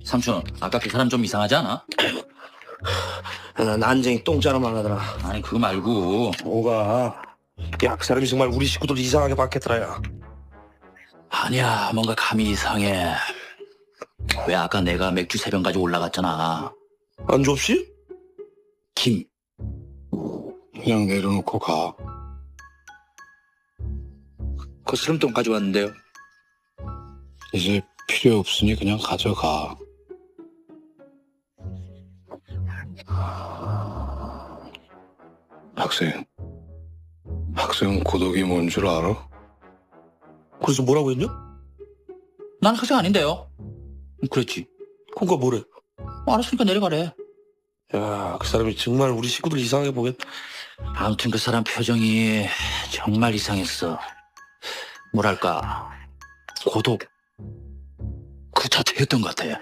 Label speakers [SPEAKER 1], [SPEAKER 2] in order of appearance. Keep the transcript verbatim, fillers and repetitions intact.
[SPEAKER 1] 삼촌, 아까 그 사람 좀 이상하지 않아?
[SPEAKER 2] 나 난쟁이 똥자랑만 하더라.
[SPEAKER 1] 아니 그거 말고.
[SPEAKER 2] 뭐가? 야, 그 사람이 정말 우리 식구들 이상하게 봤겠더라, 야.
[SPEAKER 1] 아니야, 뭔가 감이 이상해. 왜 아까 내가 맥주 세 병 가지고 올라갔잖아.
[SPEAKER 2] 안주 없이?
[SPEAKER 1] 김.
[SPEAKER 3] 그냥 내려놓고 가.
[SPEAKER 1] 그 스름돈 가져왔는데요.
[SPEAKER 3] 이제 필요 없으니 그냥 가져가. 학생, 학생은 고독이 뭔 줄 알아?
[SPEAKER 2] 그래서 뭐라고 했냐?
[SPEAKER 1] 난 학생 아닌데요. 그랬지.
[SPEAKER 2] 그니까 뭐래?
[SPEAKER 1] 알았으니까 내려가래.
[SPEAKER 2] 야, 그 사람이 정말 우리 식구들 이상하게 보겠.
[SPEAKER 1] 아무튼 그 사람 표정이 정말 이상했어. 뭐랄까, 고독 그 자체였던 것 같아.